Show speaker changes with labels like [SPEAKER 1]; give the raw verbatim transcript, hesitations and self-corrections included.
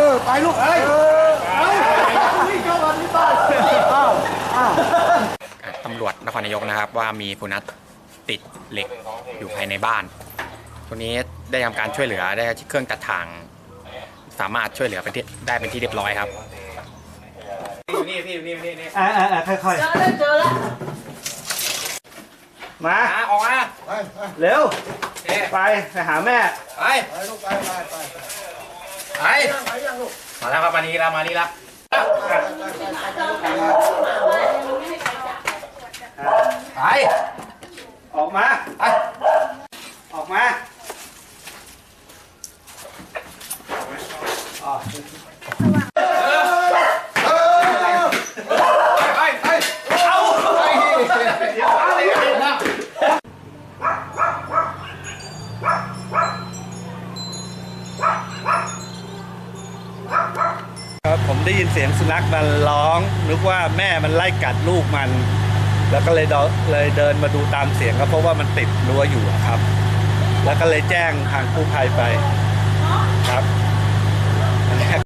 [SPEAKER 1] อไปลูกเอ้ยเอานี่เข้ามาที่บ้านอ้าวอ้าว
[SPEAKER 2] ตำรวจนครนายกนะครับว่ามีผู้นัดติดเหล็กอยู่ภายในบ้านตัวนี้ได้ทำการช่วยเหลือได้เครื่องตัดทางสามารถช่วยเหลือเป็นที่ได้เป็นที่เรียบร้อยครับอยู่นี่พี่อยู่นี่นี่นี่
[SPEAKER 3] อ่าอ่าค่อยๆเจอแล้วเจอแล้วมา
[SPEAKER 2] ออกมา
[SPEAKER 3] เร็วไปไปหาแม่
[SPEAKER 2] ไปไปลูกไปไปไปไปมาแล้วครับมานี่แล้วมานี่แล้วไป
[SPEAKER 3] ออกมา
[SPEAKER 2] ไป
[SPEAKER 3] ออกมาอ๋อครับผมได้ยินเสียงสุนัขมันร้องนึกว่าแม่มันไล่กัดลูกมันแล้วก็เลยเดินเลยเดินมาดูตามเสียงก็เพราะว่ามันติดรั้วอยู่ครับแล้วก็เลยแจ้งทางกู้ภัยไปครับ